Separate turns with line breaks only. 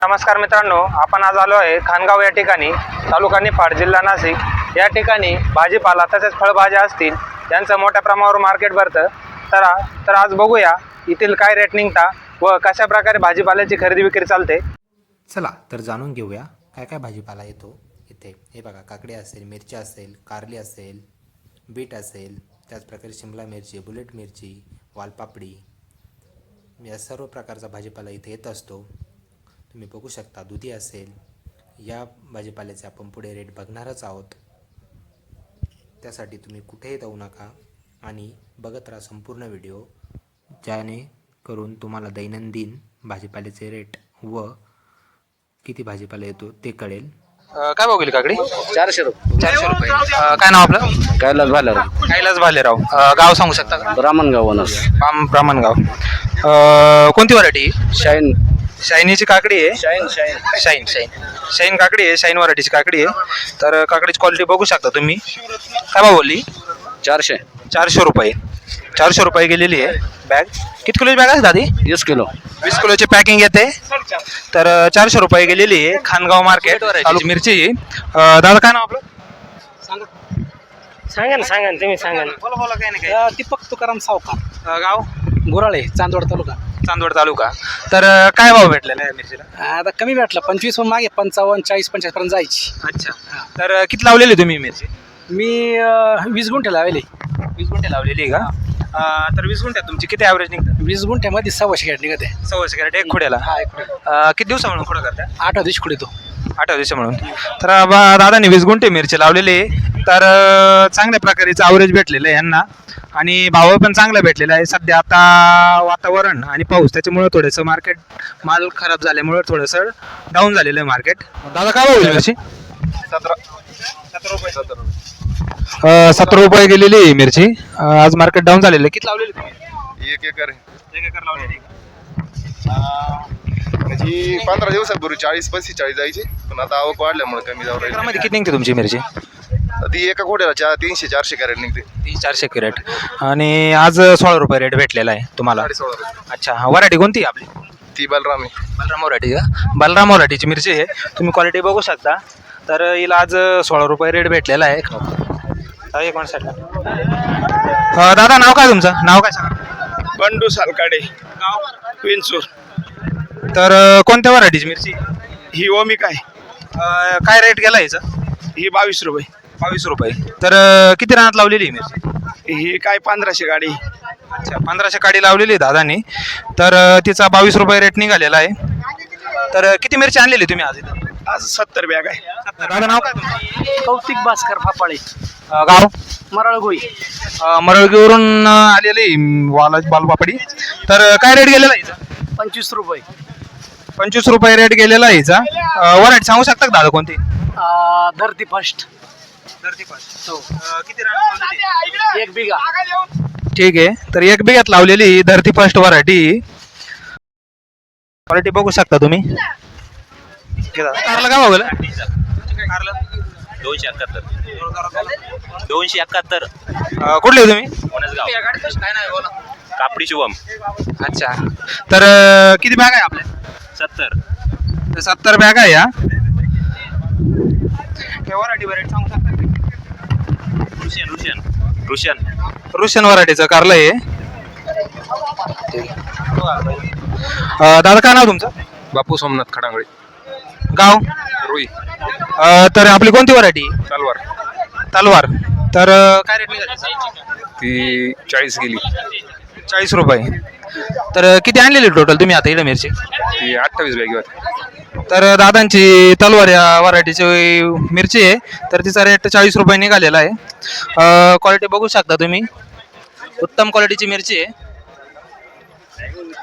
नमस्कार मित्रांनो, आपण आज आलो आहे खानगाव या ठिकाणी, तालुका निफाड, जिल्हा नाशिक या ठिकाणी भाजीपाला तसेच फळभाज्या असतील यांचं मोठ्या प्रमाणावर मार्केट भरतं. तर आज बघूया येथील काय रेट निघता व कशा प्रकारे भाजीपाल्याची खरेदी विक्री चालते.
चला तर जाणून घेऊया काय काय भाजीपाला येतो इथे. हे बघा, काकडी असेल, मिरची असेल, कारली असेल, बीट असेल, त्याचप्रकारे शिमला मिरची, बुलेट मिरची, वालपापडी, या सर्व प्रकारचा भाजीपाला इथे येत असतो. तुम्ही बघू शकता दुधी असेल. या भाजीपाल्याचे आपण पुढे रेट बघणारच आहोत. त्यासाठी तुम्ही कुठेही जाऊ नका आणि बघत राहा संपूर्ण व्हिडिओ, जेणेकरून तुम्हाला दैनंदिन भाजीपाल्याचे रेट व किती भाजीपाला येतो ते कळेल.
काय भाव गेली काकडी?
400 रुपये.
400 रुपये. काय नाव आपलं?
कैलास भालेराव.
कैलास भालेराव. गाव सांगू शकता का?
ब्राह्मणगाव वनस.
ब्राह्मणगाव. कोणती व्हरायटी?
शाईन.
शाईनीची काकडी आहे.
शाईन शाईन
शाईन काकडी आहे. शाईन व्हरायटीची काकडी आहे. तर काकडीची क्वालिटी बघू शकता तुम्ही. काय भाव बोलली?
400.
400 रुपये. 400 रुपये गेलेली आहे बॅग. किती किलोची बॅग आहे दादी?
20 किलो.
20 किलोची पॅकिंग येते. तर 400 रुपये गेलेली आहे. खानगाव मार्केट, तालुका मिरची. दादा काय नाव आपलं?
सांगा ना तुम्ही सांगा ना.
बोला काय नाही.
दीपक तुकाराम सावकार,
गाव
गुराळे, चांदवड तालुका.
चांदवड तालुका. तर काय भाव भेटलेला आहे मिरचीला?
आता कमी भेटला 25 मागे 55, 40, 45 पर्यंत जायची.
अच्छा. तर किती लावलेली तुम्ही मिरची?
मी 20 गुंठे लावले.
20 गुंठे लावलेली आहे का? तर 20 गुंठ्यात तुमची किती ॲव्हरेज निघतं?
20 गुंठ्यामध्ये 100 कॅरेट निघत आहे.
100 कॅरेट एक खुड्याला.
हा,
किती दिवसा म्हणून खुडं करता?
8 दिवशी कुठे तो
8 दिवसा म्हणून. तर दादाने 20 गुंठे मिरची लावलेली आहे. तर चांगल्या प्रकारेचं ॲव्हरेज भेटलेलं आहे यांना आणि भाव पण चांगला भेटलेला आहे. सध्या आता वातावरण आणि पाऊस त्याच्यामुळं थोडंसं मार्केट माल खराब झाल्यामुळं थोडंसं डाऊन झालेलं आहे मार्केट. दादा काय भाव होईल मिरची? 17 रुपये गेलेली आहे मिरची. आज मार्केट डाऊन झालेलं आहे. किती लावलेली तुम्ही?
1 एकर.
1 एकर लावलेली.
म्हणजे 15 दिवसापूर्वी 40-45 जायची, पण आता आवक वाढल्यामुळे कमी जाऊ राहील.
एकरामध्ये किती निघते तुमची मिरची?
ती एका कोट्याला 300-400 कॅरेट निघते.
300-400 कॅरेट. आणि आज 16 रुपये रेट भेटलेला आहे तुम्हाला.
16.5 रुपये.
अच्छा. व्हरायटी कोणती आपली?
ती बलराम आहे.
बलराम व्हरायटी का? बलराम व्हरायटीची मिरची आहे. तुम्ही क्वालिटी बघू शकता. तर हिला आज 16 रुपये रेट भेटलेला आहे. एक मिनिट साईडला. दादा नाव काय तुमचं? नाव काय सांगा?
बंडू सालकाडे, विंचूर.
तर कोणत्या व्हरायटीची मिरची?
ही ओमिक आहे.
काय रेट गेला हिचा?
ही 22 रुपये.
22 रुपये. तर किती रानात लावलेली आहे मिरची?
ही काय 1500 गाडी.
अच्छा. 1500 काडी लावलेली आहे दादानी. तर तिचा 22 रुपये रेट निघालेला आहे. तर किती मिरची आणलेली तुम्ही आज इथं?
आज 70 बॅग आहे.
दादा नाव काय तुमचं?
कौतिक भास्कर फापाळे,
गाव?
मराळगोई.
मरळगीवरून आलेली वालपापडी. तर काय रेट गेलेला आहे हिचा?
25 रुपये.
25 रुपये रेट गेलेला आहे हिचा. व्हरायटी सांगू शकता का दादा कोणती?
धरती फर्स्ट.
किती रान लावलेली?
1 बिघा.
ठीक आहे. तर 1 बिघ्यात लावलेली धरती फर्स्ट व्हरायटी. क्वालिटी बघू शकता तुम्ही. कारला काय भाव गेला?
271.
कुठले तुम्ही?
कापडी शुभम.
अच्छा. तर किती बॅग आहे आपल्या?
70.
तर 70 बॅग आहे या. व्हरायटी सांगू शकता? रुशियन व्हरायटीचं कारलं आहे. दादा काय नाव तुमचं?
बापू सोमनाथ खडांगळे.
गाव?
रुई.
तर आपली कोणती व्हरायटी? तलवार. तर काय रेट निघाली?
ती 40 गेली.
40 रुपये. तर किती आणलेली टोटल तुम्ही आता इकडे मिरची?
ती 28 बॅग होती.
तर दादांची तलवार या व्हरायटीची मिरची आहे. तर तिचा रेट 40 रुपये निघालेला आहे. क्वालिटी बघू शकता तुम्ही. उत्तम क्वालिटीची मिरची आहे.